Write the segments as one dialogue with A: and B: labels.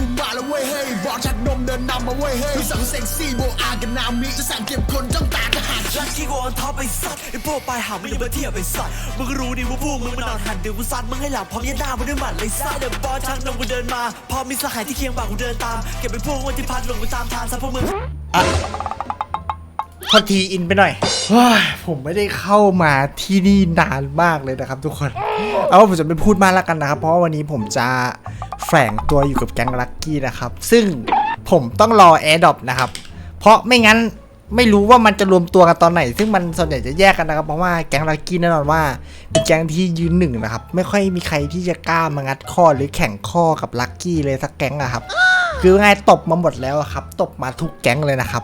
A: มาแล้วเว้ยเฮ้ยบอสชักนมเดินนำมาเว้ยเฮ้ยสั่งเซ็กซี่โบอากันนามิจะสั่งเก็บคนจ้องตาจะหัก
B: ลักกี้กูออนท็อปไปสัตว์ไอ้พวกปลายหางไม่ได้มาเทียบไปสัตว์มึงก็รู้ดิว่าพวกมึงมันนอนหันเดี๋ยวกูซัดมึงให้หลับพร้อมยัดหน้ามึงด้วยหมัดเลยซัดเดี๋ยวบอสชักนมกูเดินมาพอมีสหายที่เคียงบ่ากูเดินตามเก็บเป็นพวกวันที่พัดลงกูตามทางซะพวกมึง
C: โทษทีอินไปหน่อยผมไม่ได้เข้ามาที่นี่นานมากเลยนะครับทุกคนเอาผมจะไม่พูดมากแล้วกันนะครับเพราะวันนี้ผมจะแฝงตัวอยู่กับแก๊งลัคกี้นะครับซึ่งผมต้องรอแอร์ดรอปนะครับเพราะไม่งั้นไม่รู้ว่ามันจะรวมตัวกันตอนไหนซึ่งมันส่วนใหญ่จะแยกกันนะครับเพราะว่าแก๊งลัคกี้แน่นอนว่าเป็นแก๊งที่ยืนหนึ่งนะครับไม่ค่อยมีใครที่จะกล้ามางัดข้อหรือแข่งข้อกับลัคกี้เลยสักแก๊งอะครับคือไงตบมาหมดแล้วครับตบมาทุกแก๊งเลยนะครับ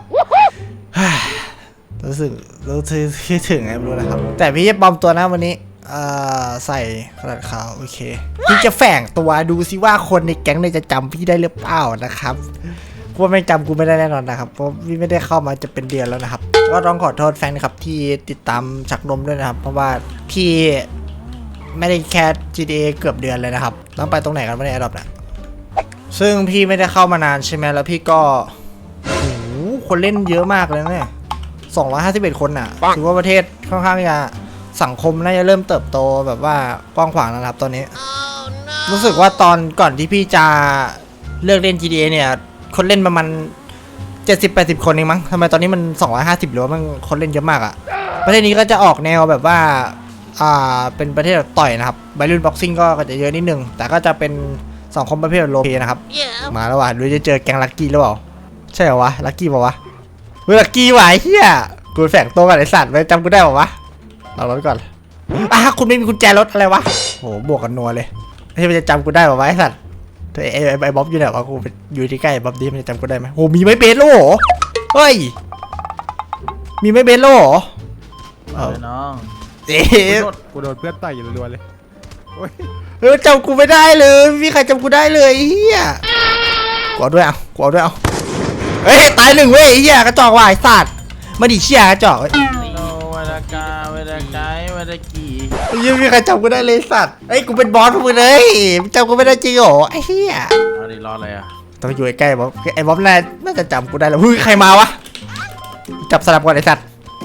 C: รู้สึกคิดถึงไงไม่รู้นะครับแต่พี่จะปลอมตัวนะวันนี้ใส่กระดาษขาวโอเคพี่จะแฝงตัวดูซิว่าคนในแก๊งเนี่ยจะจำพี่ได้หรือเปล่านะครับเพราะไม่จำกูไม่ได้แน่นอนนะครับเพราะพี่ไม่ได้เข้ามาจะเป็นเดือนแล้วนะครับก็ต้องขอโทษแฟนครับที่ติดตามชักนมด้วยนะครับเพราะว่าพี่ไม่ได้แคส GTA เกือบเดือนเลยนะครับต้องไปตรงไหนกันไม่ได้อดอบนะซึ่งพี่ไม่ได้เข้ามานานใช่ไหมแล้วพี่ก็โอ้โหคนเล่นเยอะมากเลยเนี่ย251 คนน่ะถือว่าประเทศค่อนข้างจะสังคมน่าจะเริ่มเติบโตแบบว่ากว้างขวางแล้วครับตอนนี้ รู้สึกว่าตอนก่อนที่พี่จะเลิกเล่น GTA เนี่ยคนเล่นประมาณ70-80 คนเองมั้งทำไมตอนนี้มัน250หรือว่ามันคนเล่นเยอะมากอะประเทศนี้ก็จะออกแนวแบบว่าเป็นประเทศแบบต่อยนะครับไบรุ่นบ็อกซิ่งก็จะเยอะนิดนึงแต่ก็จะเป็นสังคมประเภทโลเพนะครับ มาแล้วว่ะดูจะเจอแก๊งลัคกี้หรือเปล่าใช่เหรอวะลัคกี้เปล่าวะเฮ้ยลัคกี้ไหวเฮียกูแฝงตัวกับไอสัตว์ไว้จำกูได้ป่าวะเรารถก่อนคุณไม่มีกุญแจรถอะไรวะโหบวกกันนัวเลยที่มันจะจำกูได้ป่าวะไอสัตว์ไอ้บ๊อบอยู่ไหนวะกูอยู่ที่ใกล้บ๊อบดีมันจะจำกูได้ไหมโหมีไม้เบสโล่เฮ้ยมีไม้เบสโล่
D: น้องกูโดนเพื่อนต่อยอยู่รัวเลย
C: จำกูไม่ได้เลยมีใครจำกูได้เลยเฮียกูเอาด้วยเอาเฮ้ยตายหนึ่งเว้ยเฮียกระจอกว่ะไอ้สัตว์มาดิเชี่ยกระจอก
D: เวลากาเวลาไกเวลากี่
C: ยังมีใครจำกูได้เลยสัตว์เฮ้ยกูเป็นบอสพวกมึงเลยจำกูไม่ได้จริงเหรอไอ้เฮีย
D: อะไรรออะไรอ่ะ
C: ต้องอยู่ใกล้บ๊อบไอ้บ๊อบน่าจะจำกูได้แล้วเฮ้ยใครมาวะจับสลับก่อนไอ้สัตว์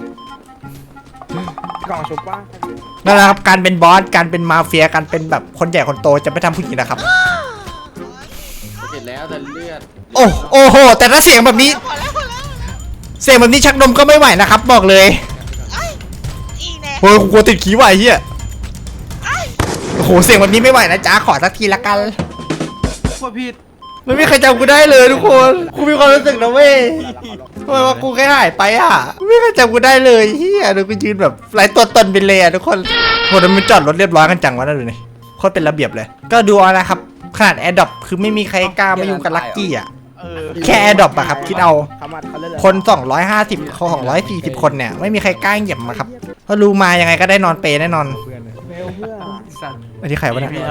D: กล่องชุบป่ะ
C: นั่นแหละครับการเป็นบอสการเป็นมาเฟียการเป็นแบบคนใหญ่คนโตจะไม่ทำผู้หญิงนะครับ
D: เสร็จแล้วแต่เลือด
C: โอ้โหแต่ถ้าเสียงแบบนี้ชักนมก็ไม่ไหวนะครับบอกเลยโอ้ยกลัวติดขี้ไหวเฮียโอ้โหเสียงแบบนี้ไม่ไหวนะจ๊ะขอสักทีละกัน
D: ว่าผิด
C: ไม่มีใครจำกูได้เลยทุกคนกูมีความรู้สึกนะเว้ยทำไมว่ากูแค่หายไปอ่ะไม่มีใครจำกูได้เลยเฮียดูกูยืนแบบไร้ตัวตนไปเลยอ่ะทุกคนคนมันจอดรถเรียบร้อยกันจังวะนั่นดูนี่โคตรเป็นระเบียบเลยก็ดูเอานะครับขนาดแอร์ดรอปคือไม่มีใครกล้ามายุ่งกับลัคกี้อ่ะแค่แอร์ดรอปอะครับคิดเอาคน250เขา240คนเนี่ยไม่มีใครกล้าเหยียบมาครับเพราะรู้มายังไงก็ได้นอนเปแน่นอนไอ้ที่ใครวะเนี่ย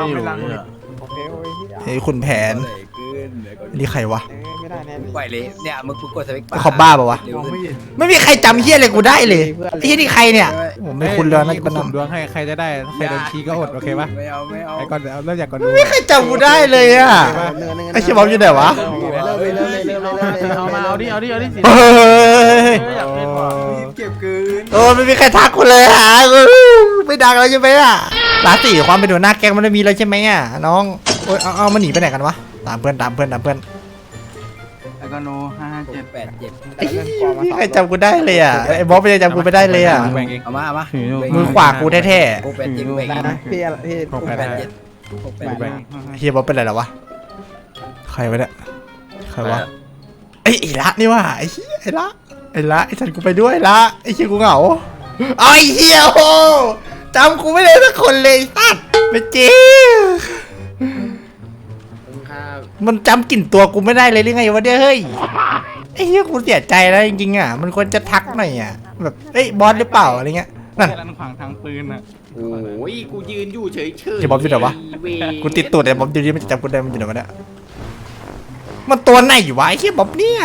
C: เฮ้ยคุณแผนนี่ใครวะ
E: ไหวเลยเนี่ยมึงกดสวิตช์
C: ขอบบ้าป่าวะไม่มีใครจำเฮี้ยอะไรกูได้เลยไอ้ที่นี่ใครเนี่ยผมไม่คุ้นเลยนะ
D: กูสุ่มดวงให้ใครจะได้ใครโดนขี้ก็อดโอเคปะ
E: ไม่เอา
D: ไอ้ก่อนเริ่มจากก่อน
C: ไม่มีใครจำกูได้เลยอ่ะไอ้เชี่ยบอมอยู่ไหนวะ
D: เอามาเอาดิ
E: เก็บคืน
C: โอ้ไม่มีใครทักกูเลยฮะไม่ดังแล้วใช่ไหมอ่ะราศีความเป็นหัวหน้าแก๊งมันไม่มีแล้วใช่ไหมอ่ะน้องโอ้ยเอามันหนีไปไหนกันวะตามเพื่อน
D: แล้วก็โน
C: 557ใครจำกูได้เลยอ่ะไอ้บ๊อบไม่ได้จำกูไม่ได้เลยอ่ะ
E: เอามา
C: มือขวากูแท้
E: ๆพี่
C: เฮียบ๊อบเป็นไรหรอวะใครวะเนี่ยใครวะไอ้ละนี่ว่ะไอ้ละไอ้ฉันกูไปด้วยละไอ้เฮียกูเหงาไอ้เฮียโหจำกูไม่ได้สักคนเลยสัตว์ไม่จริงมันจำกลิ่นตัวกูไม่ได้เลยหรือไงวะเฮ้ยไอ้เหี้ยกูเสียใจแล้วจริงๆอ่ะมันควรจะทักหน่อยอ่ะแบบเอ้ยบอสหรือเปล่าอะไรเงี้ยนั่น
D: ขวางทางปืนอ่ะ
E: โอ้ยกูยืนอยู่เฉย
C: ๆจะบอสอยู่ไหนวะกูติดตัวแต่บอสอยู่นี่มันจำกูได้มันอยู่ไหนวะเนี่ยมันตัวไหนอยู่วะไอ้เหี้ยบอสเนี่ย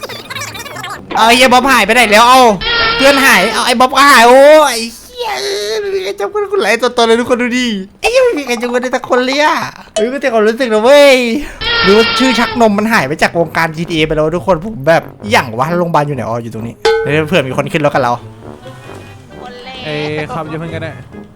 C: ไอ้เหี้ยบอสหายไปไหนแล้วเอาเพื่อนหายเอาไอ้บอสก็หายโอ้ไอ้เหี้ยไม่มีใครจำกูไหลตัวเลยทุกคนดูดิไม่มีใครจำกูได้แต่คนเลยอ่ะก็แต่ความรู้สึกนะเว้ยหรือว่าชื่อชักนมมันหายไปจากวงการ GTA ไปแล้วทุกคนผมแบบอย่างวะโรงพยาบาลอยู่ไหนอ๋ออยู่ตรงนี้เดี๋ยวเผื่อมีคนขึ้นรถกับเรา
D: เอ้ขับจะเพิ่งกันได้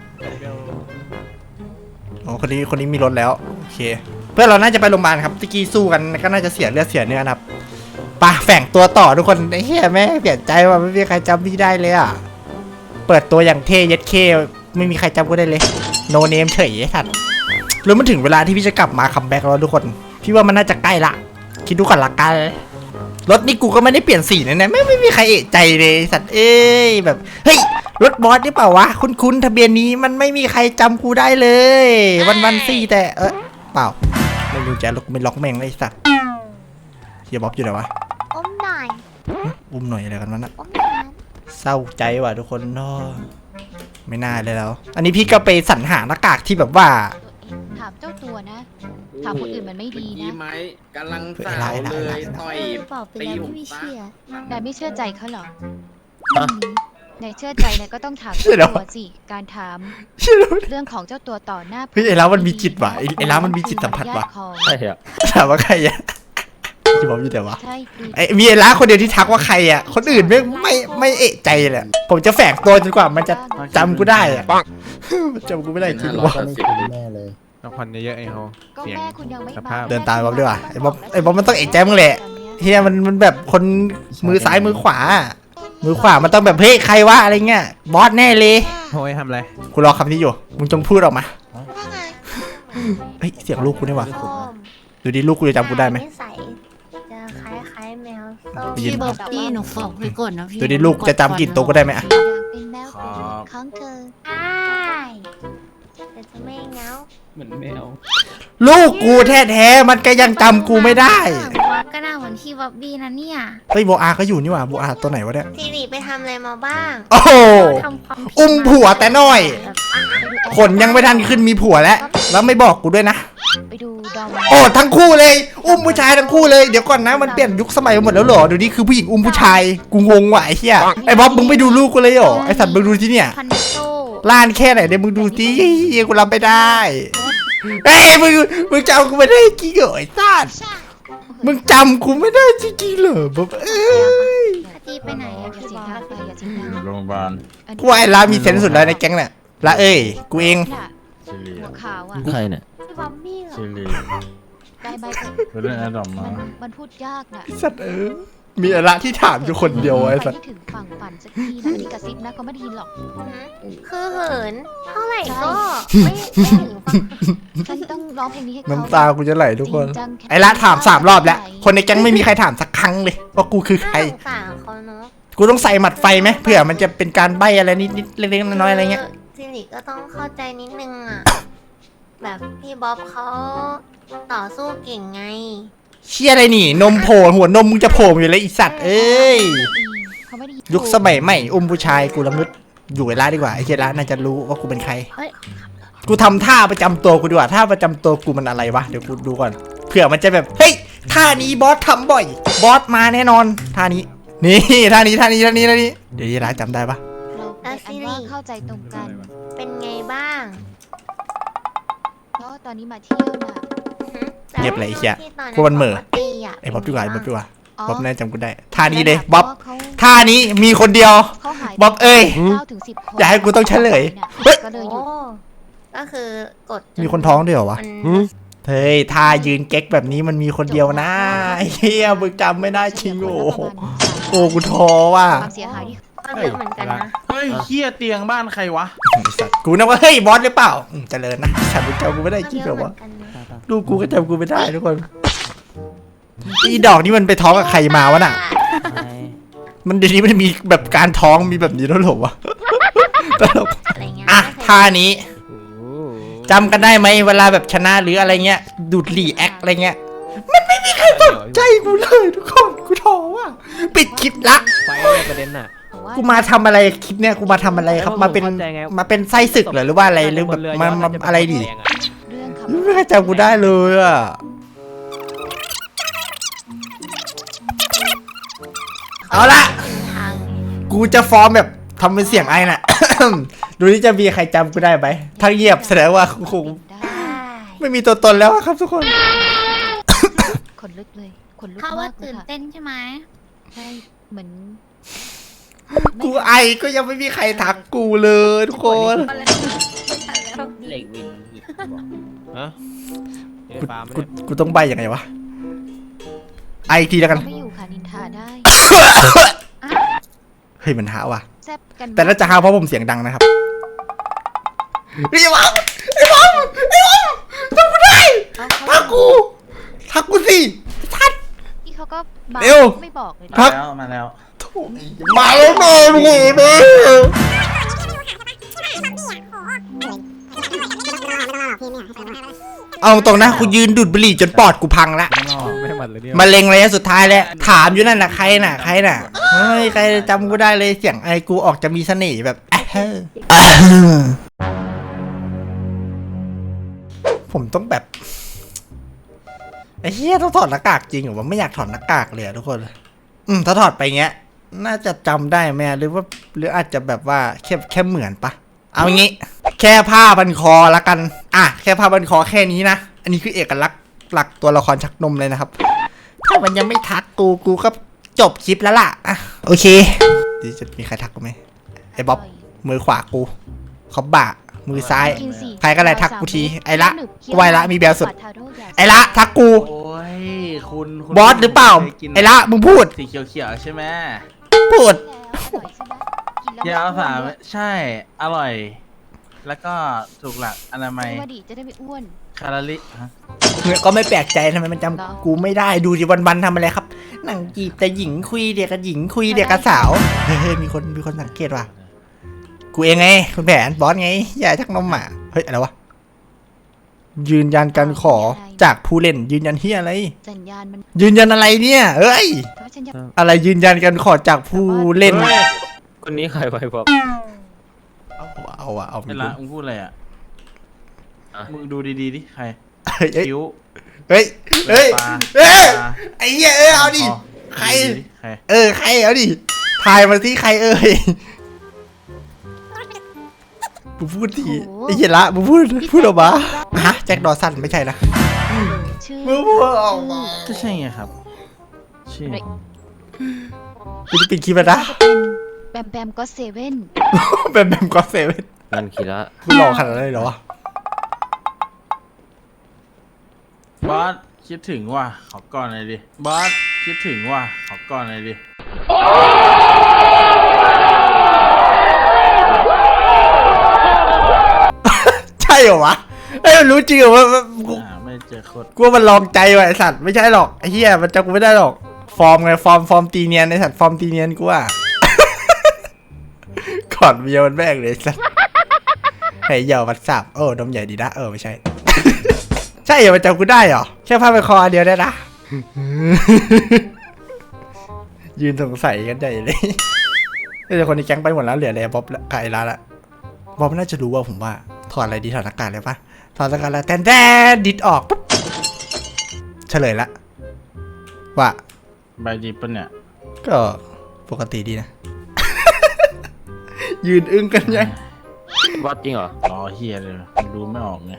C: อ๋อคนนี้มีรถแล้วโอเคเพื่อนเราน่าจะไปโรงพยาบาลครับตะกี้สู้กันก็น่าจะเสียเลือดเสียเนื้อนะครับไปแฝงตัวต่อทุกคนไอ้เหี้ยแม่เปลี่ยนใจว่าไม่มีใครจำพี่ได้เลยอ่ะเปิดตัวอย่างเท่ยัดเคไม่มีใครจำกูได้เลยโนเนมเฉยไอ้สัตว์แล้วมันถึงเวลาที่พี่จะกลับมาคัมแบ็กแล้วทุกคนพี่ว่ามันน่าจะใกล้ละคิดดูก่อนละกันรถนี่กูก็ไม่ได้เปลี่ยนสีนะไม่มีใครเอะใจเลยสัตว์เอ้ยแบบเฮ้ยรถบอสนี่เปล่าวะคุ้นทะเบียนนี้มันไม่มีใครจำกูได้เลยวันสี่แต่เปล่าไม่รู้จะล็อกไม่ล็อกแม่งไอ้สัตว์เฮียบ๊อบอยู่ไหนวะ
F: อมหน่อย
C: อุ้มหน่อยอะไรกันวะน่ะ
F: อมหน่อย
C: เศร้าใจว่ะทุกคนเนาะไม่น่าเลยแล้ว อันนี้พี่ก็ไปสรรหาหน้ากากที่แบบว่า
G: ถามเจ้าตัวนะ ถามคนอื่นมันไม่ดี
E: ดี
G: นะ
E: ไหมกำลังสาวเลยต่อย
F: บอกไปแล้วไม่เชื่อน
G: ายไม่เชื่อใจเขาเหรอนายเชื่อใจนายก็ต้องถามเจ้าตัวสิ การถามเรื่องของเจ้าตัวต่อหน้า
C: เฮ้ยไอ้แล้วมันมีจิตว่ะไอ้แล้วมันมีจิตสัมผัสว่ะ
G: ใช่
C: ถามว่าใครอะที่บอกอยู่แต่วะ
G: ใช่ดู
C: ไอ้มีไอ้ล้าคนเดียวที่ทักว่าใครอ่ะคนอื่นไม่เอะใจเลยผมจะแฝงตัวจนกว่ามันจะจำกูได้อ่ะมันจำกูไม่ได้จริงหรอวะ
D: ต้องควันเยอะๆไอ้เขา
G: ก็
D: เสียง
G: แม่คุณยังไม่
D: ส
G: มา
D: ภาพ
C: เดินตามบ๊อบด้วยว่ะไอ้บ๊อบมันต้องเอะใจมึงแหละเฮียมันแบบคนมือซ้ายมือขวามือขวามันต้องแบบเฮ้ยใครวะอะไรเงี้ยบอสแน่เลย
D: โอ้ยทำอะไร
C: กูรอคำนี้อยู่มึงจงพูดออกมา
F: ว่าไง
C: เฮ้ยเสียงลูกกูนี่ว่ะ
F: ส้ม
C: ดูดิลูกกูจะจำกูได้ไหม
F: นิสัยจะคล้ายๆแมวส้ม
C: ได้ยิน
H: พี่บ๊อบบี้หนูบอกไว้ก่อนนะพี่
C: ดูดิลูกจะจำกลิ่นตัวกูได้ไหมอะ
G: อยากเป็นแมวของเธอ
F: ใช่แต่จะไม่เหงา
E: เหมือนแมว
C: ลูกกูแท้ๆมันก็ยังจำกูไม่ได้
F: ว่าก็น่าเหมือนพี่บ๊อบบี้นะเนี่ย
C: เฮ้ยโบอาก็อยู่นี่ว่ะโบอาตัวไหนวะเนี่ย
F: สิริไปทำอะไรมาบ้าง
C: โอ้โห
F: ทำความผิด
C: อุ้มผัวแต่น้อย
F: แบบ
C: ขนยังไม่ทันขึ้นมีผัวแล้วแล้วไม่บอกกูด้วยนะ
G: ไปดูดอม
C: โอ้ทั้งคู่เลย อุ้มผู้ชายทั้งคู่เลยเดี๋ยวก่อนนะมันเปลี่ยนยุคสมัยไปหมดแล้วเหรอเดี๋ยวนี้คือผู้หญิงอุ้มผู้ชายกูงงว่ะไอ้เหี้ยไอ้บ๊อบมึงไปดูลูกกูเลยเหรอไอ้สัตว์มึงดูที่เนี่ย
F: พันโต
C: ล้านแค่ไหนเดี๋ยวมึงดูสิกูรับไม่ได้เอ้ยมึงจำกูไม่ได้จริงเหรอไอ้สัตว์มึงจำกูไม่ได้จริงๆเหรอบ๊อบเอ้ย
F: คดีไปไหนอะ
G: อย่า
F: พี่
G: เสีย
F: บ๊
G: ง
F: อบ
G: ดังไปอย่าเสียงดัง
I: โรงพยาบาล
C: กูว่าไอ้ลามีเซนส์สุดแล้วในแก๊งเนี่ยละเอ้ยกูเอง
G: น่ะ
I: ชิลี
G: หัวขาวอ่ะ
I: ใครเนี่ย
F: พี่บ๊อบบี้เหรอ
I: ชิลี
G: ได้ใบเถอะ
I: ไปเล่นแอดดอมมา
G: มันพูดยากน่ะ
C: สัตว์มีอะไรที่ถามอยู่คนเดียวไอ้
G: ไป
C: สัตว์
G: ให้ถึงฝั่งฝันสักทีนะนี่กระซิบนะเขาไม่ได้ยินหรอก
F: คือเหินเท่าไหร่ก็ไม่ถึงฝั่ง
G: ฉันต้องร้องเพลงนี้ให้เขา
C: น้ำตากูจะไหลทุกคน
G: จริงจังแค่
C: ไอ้ละถาม3 รอบแล้ว คนในแก๊งไม่มีใครถามสักครั้งเลยว่ากูคือใคร
F: น่าสงสารเขาเนาะ
C: กูต้องใส่หมัดไฟไหมเผื่อมันจะเป็นการใบอะไรนิดๆเล็กๆน้อยๆอะไรเงี้ย
F: สิริก็ต้องเข้าใจนิดนึงอ่ะ แบบพี่บ๊อบเขาต่อสู้เก่งไง
C: เชี่ยอะไรนี่ นมโผล่หัวนมมึงจะโผล่อยู่เลยไอีสัตว์เอ้ย
G: เขาไม่ได้ยิน
C: ยุคสมัยใหม่อุ้มผู้ชายกูละงึดอยู่ไอ้ละดีกว่าไอ้เชี่ยละน่าจะรู้ว่ากูเป็นใคร
F: เฮ้ย
C: กูทำท่าประจำตัวกูดีกว่าท่าประจำตัวกูมันอะไรวะเดี๋ยวกูดูก่อนเผื่อมันจะแบบเฮ้ยท่านี้บอสทำบ่อย บอสมาแน่นอนท่านี้นี่ท่านี้เดี๋ยวยีราจำได้ปะ
G: เราเป็นอันว่าเข้าใจตรงกัน
F: เป็นไงบ้าง
G: เพราะตอนนี้มาเที่ยวน่ะ
C: เงียบเลยไอ้เชี่ย
F: ที่ตอน
C: กูมันเหม่อ
F: ตีอะ
C: ไอ้บ๊อบดีกว่าไอ้บ๊อบดีกว่า บ๊อบน่าจะจำกูได้ท่านี้
G: แะ
C: เลย
G: พ
C: บ๊อบ
G: ราะเขา
C: ท่านี้มีคนเดียว
G: เขาหาย
C: บ๊อบเอ้ย
G: 9 ถึง 10 คน
C: อย่าให้กูต้องเฉลยเฮ้ย
G: ก็เลยห
F: โอ้
G: ยุด
F: ก็คือกดจ
C: มีคนท้องด้วยเหรอวะ
F: มัน
C: เฮ้ยท่ายืนเก๊กแบบนี้มันมีคนเดียวนะไอ้เฮียมึงจำไม่ได้จริงโอ้โหโอ้กูท้อว่ะ
G: ความเสียหายที่
F: ก็เยอะเหมือนกันนะ
D: เฮ้ยเฮียเตียงบ้านใครวะ
C: ไอ้สัตว์กูนึกว่าเฮ้ยบอสหรือเปล่าเจริญนะฉันมึงจำกูไม่ได้จริงเหรอวะ ลูกกูก็จำกูไม่ได้ทุกคนอีดอกนี่มันไปท้องกับใครมาวะน่ะ มันเดี๋ยวนี้มันมีแบบการท้องมีแบบนี้แล้วเหรอวะตลก
F: อะไรเงี้ย
C: อ่ะท่านี้จำกันได้ไหมเวลาแบบชนะหรืออะไรเงี้ย ดูดรีแอคอะไรเงี้ย มันไม่มีใครสนใจกูเลยทุกคนกูท้อว่ะปิดคลิปละ
E: ไฟประเด็นน่ะ
C: กูมาทำอะไรคลิปเนี้ยกูมาทำอะไรครับมาเป็นไส้ศึกเหรอหรือว่าอะไรหรือแบบมาอะไรดิ
G: เรื่องขับ
C: ไม่มีใครจำกูได้เลยอ่ะเอาละ
F: ทาง
C: กูจะฟอร์มแบบทำเป็นเสียงไอ้น่ะดูนี่จะมีใครจำกูได้ไหมถ้าเงียบแสดงว่าคง
G: ได้
C: ไม่มีตัวตนแล้วอะครับทุกคน
G: ขนลุกเลยขนลุก
H: เขาว่าม
G: ากเลย
H: ตื่น
G: ค่ะ
H: เต้นใช่ไหม
G: ใช่เหมือน
C: กูไอก็ยังไม่มีใครทักกูเลยทุกคน
E: เหล็กวินอีกบอกฮะเอ้ยฟาร์ม
C: กูต้องใบยังไงวะไออีกทีแล้วกัน
G: เขาไม่อยู่ค่ะนินทาได้
C: เฮ้ยมันหาว่ะ
G: แซบกัน
C: แต่น่าจะหาเพราะผมเสียงดังนะครับไอ้บอมไอ้บอมไอ้บอมทำกูได้
G: เอา
C: ทักกูทักกูสิทัด
G: พี่เขาก็มา
C: เร็ว
G: ไม่บอกเลยนะ
C: ทัก
D: มาแล้ว
C: มาแล้วแม่มึงเห็นไหมเอาตรงนะกูยืนดูดบุหรี่จนปอดกูพังละ
D: ไม่หมัดเลยเนี่ย
C: มะเร็งระยะสุดท้ายแล้วถามอยู่นั่นน่ะใครน่ะเฮ้ยใครจำกูได้เลยเสียงไอกูออกจะมีเสน่ห์แบบผมต้องแบบไอ้เหี้ยต้องถอดหน้ากากจริงเหรอวะไม่อยากถอดหน้ากากเลยอะทุกคนถ้าถอดไปเงี้ยน่าจะจำได้ไหมหรืออาจจะแบบว่าแค่เหมือนปะเอางี้ แค่ผ้าพันคอละกันแค่ผ้าพันคอแค่นี้นะอันนี้คือเอกลักษณ์หลักตัวละครชักนมเลยนะครับถ้ามันยังไม่ทักกูก็จบคลิปแล้วล่ะโอเคดีจะมีใครทักกูไหมไอ้บ๊อบมือขวากูเขาบ่ามือซ้าย
G: กินสิ
C: ใครก็ได้ทักกูทีไอ้ละ
G: หนึบเคี้ยว
C: ไวละมีแบลสุด
G: ปาทาโร่ยา
C: ไอ้ละทักกู
I: โอ้ยคุณ
C: บอสหรือเปล่าไอ้ละมึงพูด
I: สีเขียวๆใช่ไหม
C: พูด
G: แล้วอร่อยใช่ไหมกินแล้ว
I: ยาวสาม
G: ไม่อ้วน
I: ใช่อร่อย แล้วก็ถูกหลักอนามัย
G: ด้วยว่าดีจะได้ไม่อ้วน
I: แคลอรี่ฮะ
C: เนี่ยก็ไม่แปลกใจทำไมมัน
G: เหรอ
C: จำกูไม่ได้ดูดิวันๆทำอะไรครับนั่งจีบแต่หญิงคุยเด็กกับหญิงคุยเด็กกับสาวเฮ้ยมีคนสังเกตว่ะกูเองไงคุณแผนบอสไงอย่าชักนมอ่ะเฮ้ยอะไรวะยืนยันการขอจากผู้เล่นยืนยันที่อะไร
G: สัญญาณมัน
C: ยืนยันอะไรเนี่ยเอ้ย
G: เพราะฉันอยาก
C: อะไรยืนยันการขอจากผู้เล่น
E: คนนี้ใครไว้บอก
C: เอา
I: เวลามึงพูดอะไรอ่ะ
E: อ่ะ
I: มึงดูดีๆดิใคร
C: เฮ้ย
I: คิ้ว
C: เฮ้ย
I: ตา
C: ไอ้เหี้ยเอาดิ
I: คอ
C: ใคร
I: ดูดีๆใคร
C: ใครเอาดิทายมาที่ใครมึงพูดทีไอ้เหี้ยละมึงพูดออกมาฮะแจ็คดอสันไม่ใช่นะ
G: ชื่อ
C: มึงพูดออกมา
I: ก็ใช่ไงครับชื่อ
C: กูจะปิดคลิปแล้วนะ
G: แบมแบมก็เซเว่น
C: แบบก็เซเว่น
E: นั่นคีระ
C: กูหลอกขนาดนั้นเลยเหรอวะ
I: บอสคิดถึงว่ะขอก่อนหน่อยดิบอสคิดถึงว่ะขอก่อนหน่อยดิ
C: ใช่เหรอวะไอ้ยมันรู้จริงเหรอว่า
I: ไม่เจอโคตร
C: กูว่ามันลองใจว่ะไอสัตว์ไม่ใช่หรอกไอ้เหี้ยมันจำกูไม่ได้หรอกฟอร์มไงฟอร์มตีเนียนไอสัตว์ฟอร์มตีเนียนกูว่า ก่อนเมียมันแม่งเลยไอ้สัตว์ไอ้เหยาวัดสับนมใหญ่ดีนะไม่ใช่ ใช่เหรอมันจำกูได้เหรอแค่ผ้าไปนคออันเดียวได้นะ ยืนสงสัยกันใหญ่เลยแต่คนในแก๊งไปหมดแล้วเหลืออะไรบ๊อบกับไอ้ลาละบ๊อบน่าจะรู้ว่าผมว่าถอดอะไรดีถอดหน้ากากเลยปะถอดหน้ากากแล้วแตนดิดออกปุ๊บเฉลยละว่า
I: ใบดีปะเนี่ย
C: ก็ปกติดีนะ ยืนอึ้งกันยัง
E: วัดจริงเหรอ
I: อ๋อเฮียเลยดูไม่ออกไง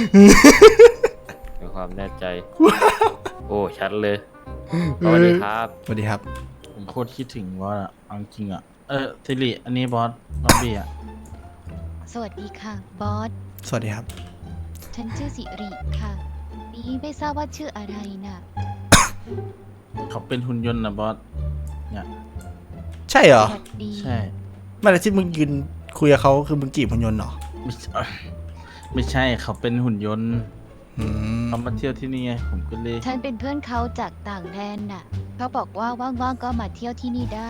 E: มีความแน่ใจ โอ้ชัดเลยสวัสดีครับ
C: สวัสดีครับ
I: ผมโคตรคิดถึงบอสอ่ะเอาจริงอ่ะสิริอันนี้บอสบอบบี้อ่ะ
G: สวัสดีค่ะ บอส
C: สวัสดีครับ
G: ฉันชื่อสิริค่ะนี่ไม่ทราบว่าชื่ออะไรน่ะ
I: เขาเป็นหุ่นยนต์นะบอสเนี่ย
C: ใช่เหรอ
G: สวัสดี
I: ใช่
C: ไม่แต่ที่มึงยืนคุยกับเขาคือมึงจีบพยนต์เหรอ
I: ไม่ใช่เขาเป็นหุ่นยนต์
C: อืม
I: เขามาเที่ยวที่นี่ไงผมก็เลย
G: ฉันเป็นเพื่อนเขาจากต่างแดนน่ะเขาบอกว่าว่างๆก็มาเที่ยวที่นี่ได้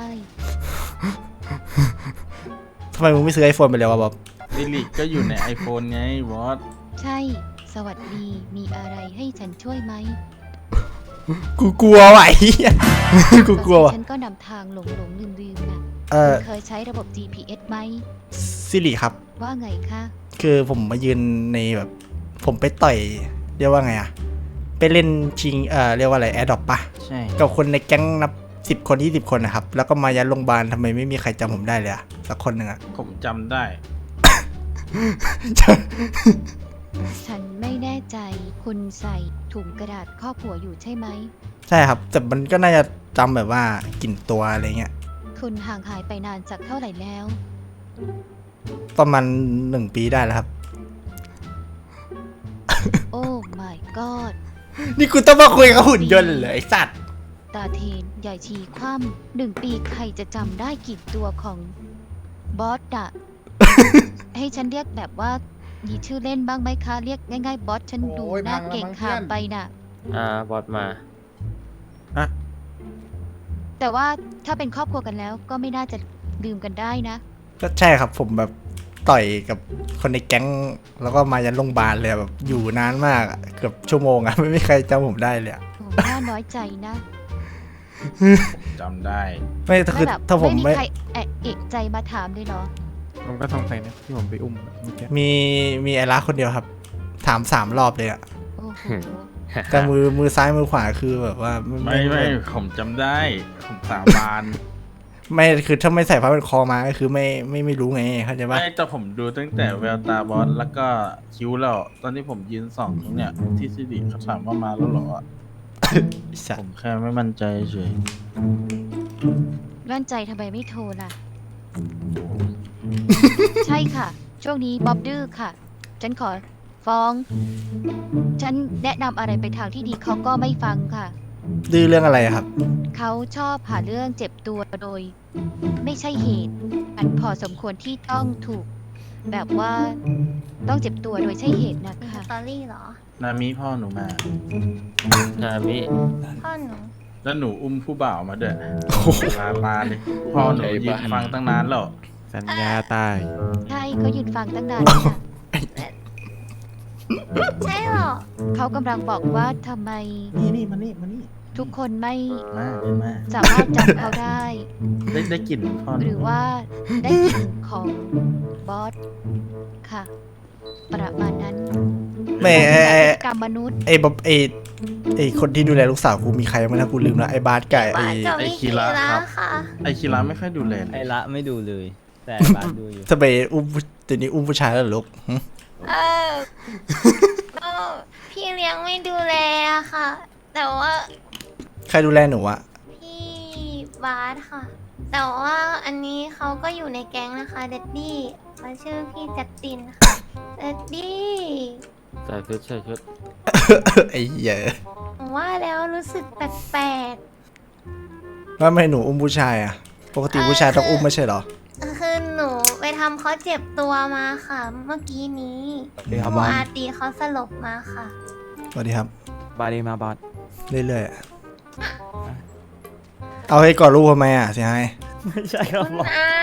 C: ทำไมมึงไม่ซื้อไอโฟนไปเลยวะบ๊อบ
I: สิริก็อยู่ใน iPhone ไงบอส
G: ใช่ สวัสดี มีอะไรให้ฉันช่วยไหม
C: กูกลัวว่ะไอ้เหี้ย กูกลัวว่ะ
G: ฉันก็นำทางหลงลืมน่ะ
C: เออ
G: คุณเคยใช้ระบบ GPS ไหม
C: สิริครับ
G: ว่าไงคะ
C: คือผมมายืนในแบบ ผมไปต่อยเรียกว่าไงอะไปเล่นชิงเรียกว่าอะไรแอร์ดรอปปะ
I: ใช่
C: กับคนในแก๊งนับ10 คน20 คนนะครับ แล้วก็มายัดโรงพยาบาลทำไมไม่มีใครจำผมได้เลยอะสักคนหนึ่งอะ
I: ผมจำได้
G: ฉันไม่แน่ใจคุณใส่ถุงกระดาษครอบหัวอยู่ใช่ไหม
C: ใช่ครับ แต่มันก็น่าจะจำแบบว่ากลิ่นตัวอะไรเงี้ย
G: คุณห่างหายไปนานจากเท่าไหร่แล้ว
C: ประมาณ1 ปีได้แล้วครับ
G: โอ้ my god
C: นี่กูต้องมาคุยกับหุ่นยนต์เหรอไอสัตว์
G: ตาเทนใหญ่ชีคว่ำ1 ปีใครจะจำได้กี่ตัวของบอสอะ ให้ฉันเรียกแบบว่ามีชื่อเล่นบ้างไหมคะ เรียกง่ายๆบอสฉันดูน่าเก่งขามไปน่ะ
E: บอสมา
G: แต่ว่าถ้าเป็นครอบครัวกันแล้วก็ไม่น่าจะลืมกันได้นะ
C: ก็ใช่ครับผมแบบต่อยกับคนในแก๊งแล้วก็มายันโรงพยาบาลเลยแบบอยู่นานมากอะเกือบชั่วโมงอะ ไม่มีใครจำผมได้เลยอะ
G: โอ้น่าน้อยใจนะ
I: จำได้
C: ไม่คือ
G: แบบ
C: ถ้าผม
G: ไม่มี
C: ไม่
G: ใครเอกใจมาถามเลยเหรอ
D: ผมก็สงสัยนะที่ผมไปอุ้มเมื่อกี้
C: มีไอรักคนเดียวครับ ถาม3 รอบเลยอะ
G: โอ้โห
C: แต่มือซ้ายมือขวาคือแบบว่า
I: ไม่ผมจำได้ ผมสาบาน
C: ไม่คือถ้าไม่ใส่ผ้าเป็นคอมาก็คือไม่รู้ไงเข้าใจปะ
I: ไม่แต่ผมดูตั้งแต่แววตาบอสแล้วก็คิ้วแล้วตอนที่ผมยืนส่องตรงเนี่ยที่สิริเขาถามว่ามาแล้วเหรอ
C: ไอ้สั
I: ผ
C: ตว์
I: มแค่ไม่มั่นใจเฉย
G: มั่นใจทำไมไม่โทรล่ะ ใช่ค่ะ ช่วงนี้บ๊อบดื้อค่ะ ฉันขอฟ้อง ฉันแนะนำอะไรไปทางที่ดีเขาก็ไม่ฟังค่ะ
C: ดื้อเรื่องอะไรอะครับ
G: เขาชอบหาเรื่องเจ็บตัวโดย ไม่ใช่เหตุ อันพอสมควรที่ต้องถูก แบบว่าต้องเจ็บตัวโดยใช่เหตุนะ
F: มีส
G: คะ
F: ตอรี่เหรอ
I: นามิพ่อหนูมา
E: นามิ
F: พ่อหนู
I: แล้วหนูอุ้มผู้บ่าวมาด้วยลามาเลยพ่อหนูยืนฟังตั้งนานแล้ว
D: สัญญาตาย
G: ใช่เขายืนฟังตั้งนานแล้วค่ะ
F: ใช่เหรอ
G: เขากำลังบอกว่าทำไม
I: นี่มานี่
G: ทุกคนไม่
I: มา
G: สามารถจำเขาได้
I: ได้กลิ่นพ่อห
G: ห
I: นู
G: รือว่าได้กลิ่นของบอสค่ะ ประมาณนั้น
C: ไม่ไอ้
G: กรรมมนุษย์
C: ไอ้บ๊อบไอ้คนที่ดูแลลูกสาวกูมีใครบ้างนะกูลืมละไอ้บาสไก่
F: บา
C: ไอ้
F: สกับวิคีระค่ะ
I: ไอคิระไม่ค่อยดูแลเลย
E: ไอละไม่ดูเลย แต่บาสดูอยู่
C: สเปรย์อุ้มเดี๋ยวนี้อุ้มผู้ชายแล้วเหรอลูกหึ
F: ก็พี่เลี้ยงไม่ดูแลอะค่ะ แต่ว่า
C: ใครดูแลหนูอะ
F: พี่บาสค่ะ แต่ว่าอันนี้เขาก็อยู่ในแก๊งนะคะเดดดี้เขาชื่อพี่จัสตินค่ะเดดดี้
E: ใส่ชุด
C: ไอ้เหี้ย
F: ผมว่าแล้วรู้สึกแปลก
C: ว่าไม่หนูอุ้มผู้ชายอะปกติผู้ชายต้องอุ้มไม่ใช่เหรอ
F: ๆคือหนูไปทำเขาเจ็บตัวมาค่ะ เมื่อกี้นี้
D: ครับ
F: ครู
D: บอส
F: อาตีเขาสลบมาค่ะ
C: สวัสดีครับ
D: บาดีมาบอส
C: เรื่อยๆอะเอาให้ก่อนลูกทำไมอะเสียหาย
E: ไม่ใช่ครับ
F: คุณ
E: บอส
F: อา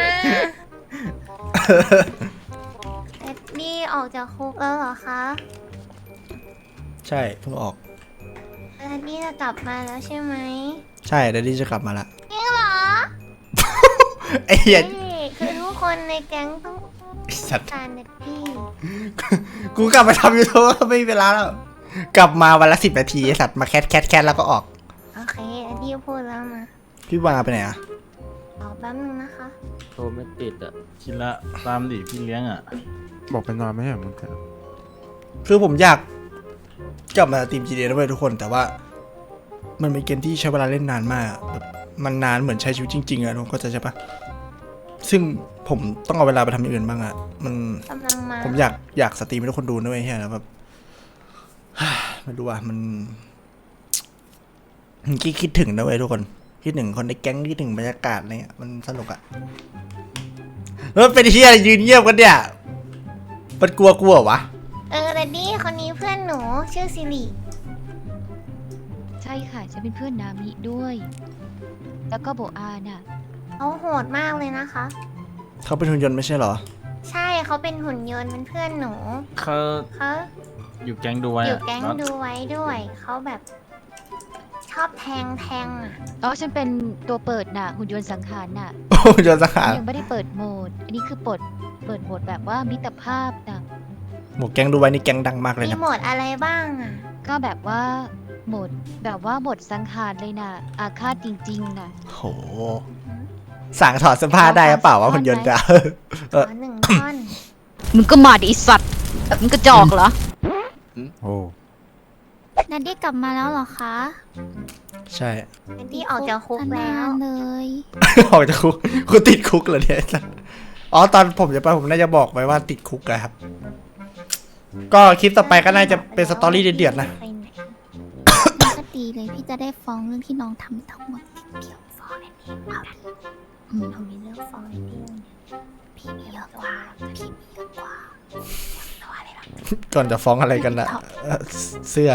F: เอ็ดดี้ออกจากคุกแล้วเหรอคะ
C: ใช่เพิ่งออก
F: เอ็ดดี้จะกลับมาแล้วใช่ไหม
C: ใช่เดดดี้จะกลับมาละ
F: จริงเหรอ
C: ไอ้เหี้ย
F: นี่คือทุกคนในแก๊งต้อง
C: ไอ้สัตว์
F: การเอ็ดดี้
C: กูกลับมาทำยูทูบไม่มีเวลาแล้ว กลับมาวันละ10 นาทีไอ้สัตว์มาแคทแล้วก็ออก
F: โอเคเอ็ดดี้พูดแล้วมา
C: พี่วาไปไหนอะ
F: รอแป๊บนึงนะคะ
E: โทรไม่ติดอ่ะ
I: คิระตามดิพี่เลี้ยงอ่ะ
D: บอกไปนอนไม่ใช่เหรอมึงเถอะ
C: คือผมอยากกลับมาทีม GTA ด้วยทุกคนแต่ว่า มันเป็นเกมที่ใช้เวลาเล่นนานมากแบบมันนานเหมือนใช้ชีวิตจริงๆอะทุกคนเข้าใจใช่ปะซึ่งผมต้องเอาเวลาไปทำอย่างอื่นบ้างอะมัน
F: กำลังมา
C: ผมอยากสตรีมให้ทุกคนดูด้วยเฮียแล้วแบบ ไม่รู้ว่ามันคิดถึงนะเว้ยทุกคนคิดถึงคนในแก๊งคิดถึงบรรยากาศอะไรเงี้ยมันสนุกอะแล้วมันเป็นเฮียอะไรยืนเงียบกันเนี่ยมันกลัวเหรอวะ
F: เอ็ดดี้คนนี้เพื่อนหนูชื่อซิริ
G: ใช่ค่ะฉันเป็นเพื่อนนามิด้วย แล้วก็โบอาน่ะ
F: เขาโหดมากเลยนะคะ
C: เขาเป็นหุ่นยนต์ไม่ใช่เหรอ
F: ใช่เขาเป็นหุ่นยนต์เป็นเพื่อนหนู
I: เขา
F: เขา
I: อยู่แก๊งดูไว้
F: อยู่
I: อะ
F: แก๊ง
I: บอส
F: ดูไว้ด้วย เขาแบบชอบแทงอ่ะ
G: อ๋อฉันเป็นตัวเปิดน่ะ หุ่นยนต์สังหารน่ะ
C: โอ้หุ่นยนต์สังหาร
G: ยังไม่ได้เปิดโหมด อันนี้คือเปิดโหมดแบบว่ามิตรภาพน่ะ
C: หมวกแก๊งดูไว้นี่แก๊งดังมากเลย
F: มี
C: นะ
F: โหมดอะไรบ้างอ่ะ
G: ก็แบบว่าโหมดแบบว่าโหมดสังหารเลยน่ะ อาฆาตจริงๆน่ะ
C: โหสั่งถอดเสื้อผ้าได้หรือเปล่าวะหุ่นยนต์จะ
F: ขอหนึ่งท่อน
G: มึงก็มาดิไอ้สัตว์มึงกระจอกเหรอ
D: โอ้
F: นัดดี้กลับมาแล้วเหรอคะ
C: ใช่
F: นัดดี้ออกจากคุกแล้วเลย
C: ออกจากคุกกูติดคุกเหรอเนี่ยไอ้สัสอ๋อตอนผมจะไปผมน่าจะบอกไปว่าติดคุกอะครับ ก็คลิปต่อไปก็น่าจะเป็นสตอรี่เดือดๆนะ
F: ก็ดีเลยพี่จะได้ฟ้องเรื่องที่น้องทำทั้งหมดเกี่ยวฟ้องแอนนี่เอาดิเรามีเรื่องฟ้องแอนนี่พี่มีเยอะกว่าพี่มีเยอะกว่าตัวอะไรหรอ
C: ก่อนจะฟ้องอะไรกันนะเสื้อ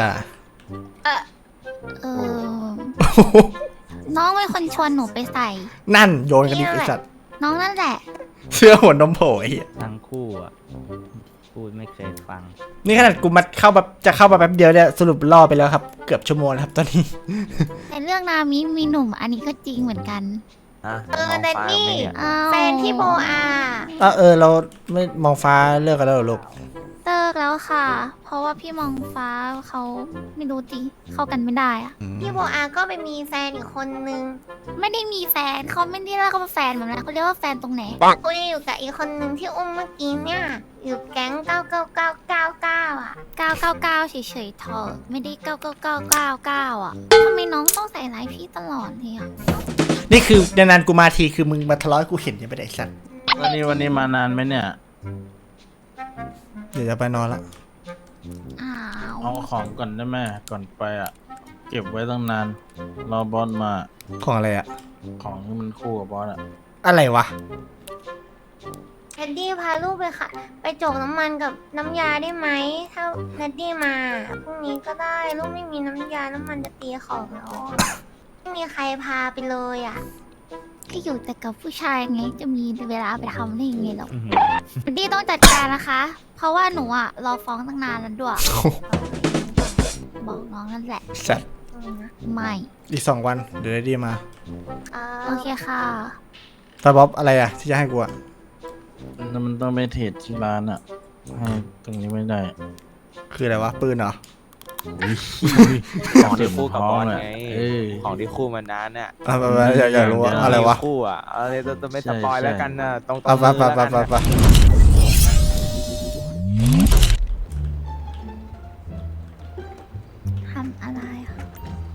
F: น้องเป็นคนชวนหนูไปใส่
C: นั่นโยนกันดิไอ้สัตว์
F: น้องนั่นแหละ
C: เสื้อหัวนมโผล่ไอ้เหี้ย
E: ทั้งคู่อ่ะ พูดไม่เคยฟัง
C: นี่ขนาดกูมาเข้าแบบจะเข้ามาแป๊บเดียวเนี่ยสรุปล่อไปแล้วครับ เกือบชั่วโมงแล้วครับตอนนี้
F: ในเรื่องนามิมีหนุ่มอันนี้ก็จริงเหมือนกัน
E: แดนนี่
F: แฟนที่โบอา
C: เราไม่มองฟ้าเลิกกันแล้วเหรอลูก
F: เลิกแล้วค่ะ เพราะว่าพี่มองฟ้าเขาไม่รู้ดิเข้ากันไม่ได้อะพี่โบอาก็ไปมีแฟนอีกคนนึงไม่ได้มีแฟนเขาไม่ได้เรียกเขาว่าแฟนแบบนั้นเขาเรียกว่าแฟนตรงไหนเขาอยู่กับอีกคนนึงที่อุ้มเมื่อกี้เนี่ยอยู่แก๊ง99999อ่ะ999เฉยๆเถอะไม่ได้99999อ่ะทำไมน้องต้องใส่ร้ายพี่ตลอดเลยอ่ะ
C: นี่คือนานๆกูมาทีคือมึงมาทะเลาะให้กูเห็นยังไม่ได้ไอ้สัตว์
I: วันนี้มานานไหมเนี่ย
C: เดี๋ยวจะไปนอนละ
F: อ้าว
I: เอาของก่อนได้ไหมก่อนไปอ่ะ เก็บไว้ตั้งนาน รอบอสมา
C: ของอะไรอะ
I: ของที่มันคู่กับบอสอ่ะ
C: อะไรวะ
F: แนดดี้พาลูกไปค่ะ ไปโจกน้ำมันกับน้ำยาได้ไหมถ้าแนดดี้มาพรุ่งนี้ก็ได้ลูกไม่มีน้ำยาน้ำมันจะตีของแล้วไม่มีใครพาไปเลยอ่ะก็อยู่แต่กับผู้ชายไงจะมีเวลาไปทำได้ยังไงหรอกแนดดี้ต้องจัดการนะคะ เพราะว่าหนูอ่ะรอฟ้องตั้งนานแล้วด้วยบอกน้องนั่นแหละ
C: สัตว์
F: ไม่
C: อีก2 วันเดี๋ยวได้ดีมา
F: โอเคค่ะ
C: ตาบ๊อบอะไรอะที่จะให้กูอะ
I: มันต้องไปเทรดที่ร้านอ่ะ ให้ตรงนี้ไม่ได้
C: คืออะไรวะปืนเหรอ
E: ของที่คู่กับบอสไง
I: เออ
E: ของที่คู่มานานเนี่ย
C: ไปอยากรู้ว่าอะไรวะ
E: คู่อ่ะอะไรจะไม่สปอยแล้วกันนะตรง
C: ไปไปไปไปไปไป
F: ทำอะไรอ่ะ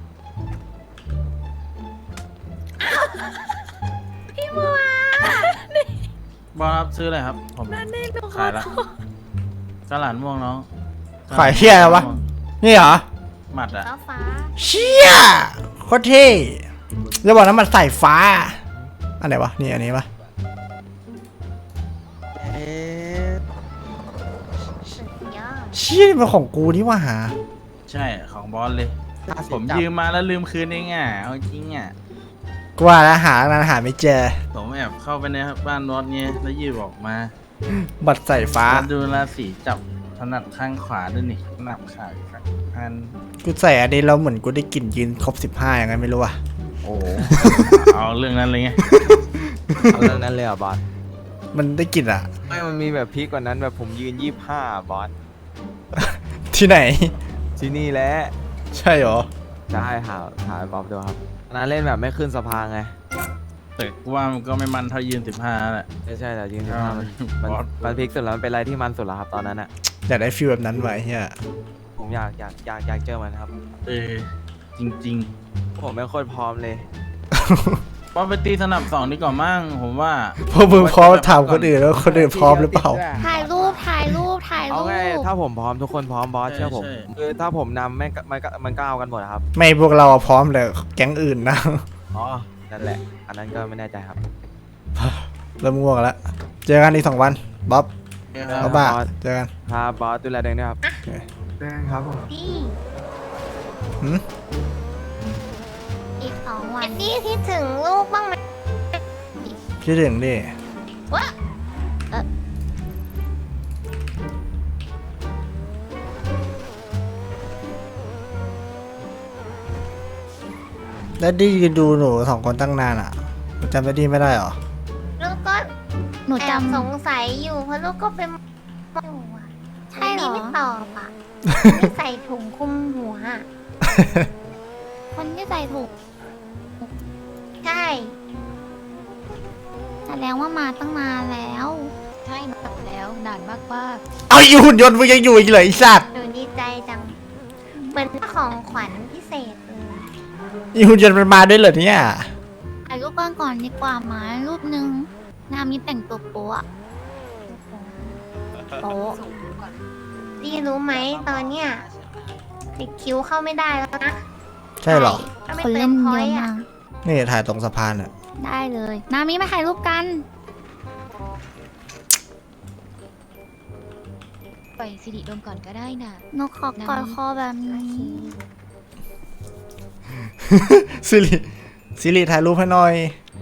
F: พี่บัว
I: บอสครับซื้ออะไรครับ ผมขายละกระหลานม่วงน้อง
C: ขายเที่ยอะไรวะ นี่เหรอ
I: หมัดอ่ะ
F: แล้วฟ้า
C: เชี่ยโคตรเท่จะบอกนะมันใส่ฟ้า อันไหนวะ นี่อันนี้ปะ
F: สุดยอด
C: เชี่ยนี่มันของกูนี่ว่าหา
I: ใช่ของบอสเลย ผมยืมมาแล้วลืมคืนเองอ่ะ เอาจริงอ่ะ
C: กูว่าแล้วหานานหาไม่เจอ
I: ผมแอบเข้าไปในบ้านบอสเงี้ยแล้วยืมออกมา
C: บัตรใส่ฟ้า
I: แล้วดูราศีจับถนัดข้างขวาด้วยนี่หนับขาอีกสักอัน
C: กูใส่อันนี้แล้วเหมือนกูได้กลิ่นยืนครบ15อย่างไงไม่รู้อะ
I: โอ้โห เอาเรื่องนั้นเลยไง
E: เอาเรื่องนั้นเลยอ่ะบอส
C: มันได้กลิ่นอะ
E: ไม่มันมีแบบพีกกว่านั้นแบบผมยืน25บอส
C: ที่ไหน
E: ที่นี่แหละ
C: ใช่เหรอ
E: ได้หาบอสดูครับอันนั้นเล่นแบบไม่ขึ้นสะพานไง
I: แต่กูว่ามันก็ไม่มันเท่ายืน15แหละ
E: ไม่ใช่แต่ยืน
I: อ่า
E: 15มัน
I: บอส
E: มันพีกสุดแล้วมันเป็นอะไรที่มันสุดแล้วครับตอนนั้นอ่ะ
C: อยากได้ฟีลแบบนั้นไว้เฮีย
E: ผมอยากเจอมันครับ
I: เออ จริง
E: ผมไม่โคตรพร้อมเลย
I: ๆบอสไปตีสนับ2ดีกว่ามั่งผมว่า
C: พวกมึงพร้อมถามคนอื่นแล้วคนอื่นพร้อมหรือเปล่า
F: ถ่ายรูป
E: เอาไงถ้าผมพร้อมทุกคนพร้อมบอส
I: ใช่
E: เชื่อผม
I: ใช่
E: คือถ้าผมนำมันก็เอากันหมดอะครับ
C: ไม่พวกเราอะพร้อมเลยแก๊งอื่นนะ
E: อ๋อนั่นแหละ อันนั้นก็ไม่แน่ใจครับ
C: เริ่มง่วงแล้ว เจอกันอีก2 วันบ๊อบ
E: ครับ
C: บ๊อบบ้า
E: บอส
C: เจอกัน
E: ครับบอสดูแลตัวเองด้วยครับครับผม
F: พี่
C: หืม
F: อีก2 วันนี่คิดถึงลูกบ้างไหม
C: คิดถึงดิ
F: วะ
C: แล้วดียืนดูหนู2 คนตั้งนานอะจำได้ดีไม่ได้เหรอ
F: ลูกก็หนูจำสงสัยอยู่เพราะลูกก็เป็นอยู่อะใช่เหรอไม่ตอบอ่ะ ไม่ใส่ถุงคลุมหัวอะคนที่ใส่ถุงใช่แสดงว่ามาตั้งนานแล้ว
G: ใช่มาแล้วแล้วนานมาก
C: เอาอีหุ่นยนต์มึงยังอยู่อีกเหรอไอ้สัตว์
F: หนูดีใจจังเหมือนของขวัญพิเศษเลย
C: อีหุ่นยนต์มันมาด้วยเหรอเนี่ย
H: ถ่ายรูปกันก่อนดีกว่าหมารูปหนึ่งนามีแต่งตัวโป๊ะ
F: โป๊ะดีรู้ไหมตอนเนี้ยติดคิ้วเข้าไม่ได้แล้วนะ
C: ใช่เหรอ
F: ถ้าไม่
H: คน
F: เติ
H: เล่
F: ม
H: น
F: พ
H: เย
F: อย
H: อะ
F: ต์
H: มา
F: อ่ะ
H: ก
C: นี่ถ่ายตรงสะพานอ่ะ
H: ได้เลยนามีมาถ่ายรูปกัน
G: ๆ ไปสิริดมก่อนก็ได้น่ะ
H: นกขอกอดคอแบบนี้
C: สิริถ่ายรูปให้หน่อย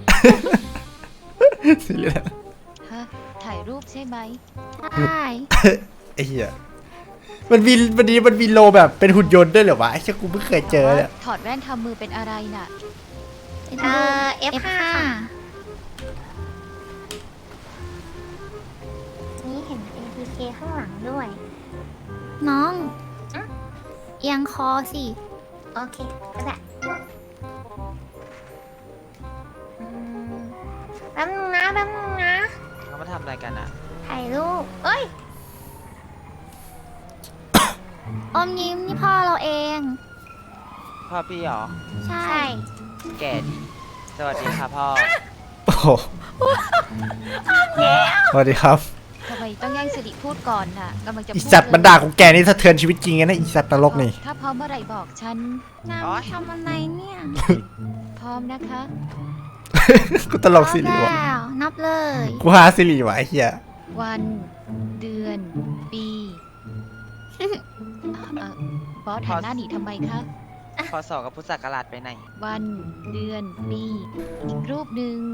C: สิริ
G: ฮะ ถ่ายรูปใช่ไหม
H: ใช่
C: ไอ้เหี้ยมันมีโลแบบเป็นหุ่นยนต์ด้วยเหรอวะไอ้เชี่ยกูเพิ่งเคยเจอเนี่ย
G: ถอดแว่นทำมือเป็นอะไรน่ะ
H: เป็นรูป
F: F5 นี่เห็น APK ข้างหลังด้วย
H: น้อง
F: อะ
H: เอียงคอสิ
F: โอเค ก็ได้อืมแป๊บนึงนะ
E: เขามาทำอะไรกันอ่ะ
F: ถ่ายรูป เอ้ย
H: อมยิ้มนี่พ่อเราเอง
E: พ่อพี่เหรอ
H: ใช่
F: ใช่
E: แก่ดี สวัสดีครับพ่อ
C: โอ้โหสวัสดีครับ
G: ทำไมต้องแย่งสิริพูดก่อนน่ะกำลังจะ
C: อี
G: พูด
C: สัตว์บรรดาของแกนี่สะเทือนชีวิตจริงไงนะอีสัตว์นรกนี่
G: ถ้าพร้อมเมื่อไหร่บอกฉัน
H: นา
E: โอ๊
H: มี
E: ย
H: ทำอะไรเนี่ย
G: พร้อมนะคะ
C: กูตลกสิริวะ
H: แล้วนับเลย
C: กูหาสิริวะไอ้เหี้ย
G: วัน เดือน ปีบอสหันหน้าหนีทำไมคะ
E: พอสอบกับพุทธศักราชไปไหน
G: วัน เดือน ปี อีกรูปหนึ่ง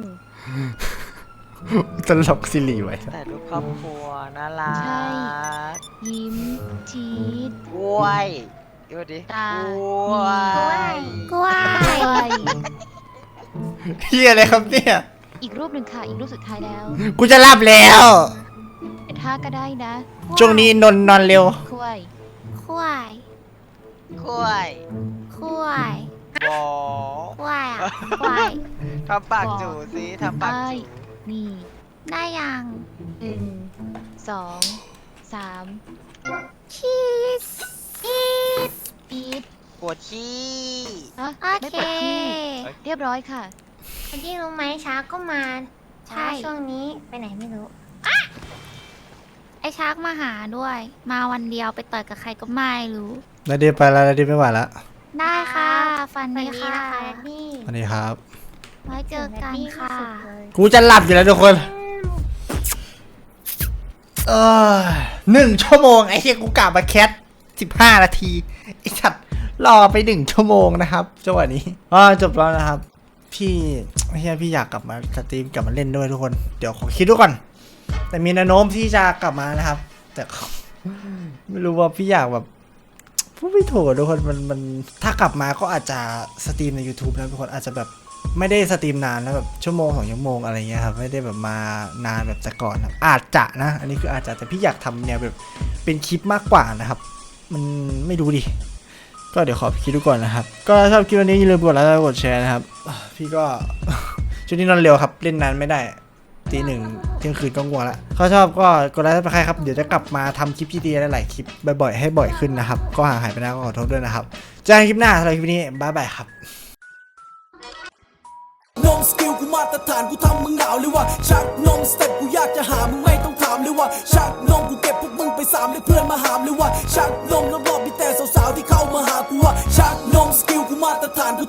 C: ตลกสิริวะ
E: แต่รูปครอบครัวน่ารัก
G: ใช่ ยิ้ม ชีด
E: กล้วยดูดิ
G: ตาก
E: ล้วย
H: กล้วย
G: กล้วย
C: เหี้ยอะไรครับเนี่ย
G: อีกรูปหนึ่งค่ะ อีกรูปสุดท้ายแล้ว
C: กูจะหลับแล้ว
G: เป็นท่าก็ได้นะ
C: ช่วงนี้นอนเร็ว
G: คุย
H: ควาย
E: กล้วย
H: ควาย
E: บอ
H: ควายอ่ะควาย
E: ทำปากจูสิทำปาก
G: ไอ้
E: จู
G: นี่
H: ได้ยัง
G: 1 2 3
H: ชีสชีส
G: ปีด
E: ปวดขี้
G: ฮะ
H: โอ
G: ไม่
H: เค
G: ปวดขี้เรียบร้อยค่ะ
F: คนที่รู้ไหมช้าก็มา
H: ใช่
F: ช่วงนี้ไปไหนไม่รู้
H: ไอชาร์กมาหาด้วย มาวันเดียวไปต่อยกับใครก็ไม่รู้
C: นาเดียไปแล้วนาเดียไม่ไหวแล้ว
H: ได้ค่ะ ฟัน
F: สวัส
H: ดี
F: ดี
H: ค่ะ
F: นะคะพี่
C: สวัสดีครับ
H: ไว้เจอกันค่ะ
C: กูจะหลับอยู่แล้วทุกคน 1 ชั่วโมงไอ้เหี้ยกูกลับมาแคท15 นาทีไอ้สัตว์รอไป1 ชั่วโมงนะครับจังหวะนี้จบแล้วนะครับ พี่เฮียพี่อยากกลับมาสตรีมกลับมาเล่นด้วยทุกคน เดี๋ยวขอคิดดูก่อน แต่มีแนวโน้มที่จะกลับมานะครับ แต่ ไม่รู้ว่าพี่อยากแบบพูดไม่ถูกทุกคนมันถ้ากลับมาก็อาจจะสตรีมใน YouTube นะทุกคนอาจจะแบบไม่ได้สตรีมนานนะแบบชั่วโมง2 ชั่วโมงอะไรเงี้ยครับไม่ได้แบบมานานแบบแต่ก่อนครับอาจจะนะ อันนี้คืออาจจะแต่พี่อยากทำแนวแบบเป็นคลิปมากกว่านะครับ มันไม่รู้ดิก็เดี๋ยวขอคิดดูก่อนนะครับ ก็ชอบคลิปวันนี้อย่าลืมกดไลค์กดแชร์นะครับพี่ก็ ช่วงนี้นอนเร็วครับเล่นนานไม่ได้ตี 1 เที่ยงคืนก็ง่วงละเขาชอบก็กดไลค์ไปใครครับเดี๋ยวจะกลับมาทำคลิปที่ดีหลายๆคลิปบ่อยๆให้บ่อยขึ้นนะครับก็ห่างหายไปนานก็ขอโทษด้วยนะครับเจอกันคลิปหน้าสำหรับคลิปนี้บ๊ายบายครับ
B: นมสกิลกูมาตรฐานกูทำมึงหนาวเลยว่ะชักนมสเต็ปกูอยากจะหามึงไม่ต้องถามเลยว่ะชักนมกูเก็บพวกมึงไป3เลยเพื่อนมาหามเลยว่ะชักนมรอบๆมีแต่สาวๆที่เข้ามาหากูว่ะชักนมสกิลกูมาตรฐานกู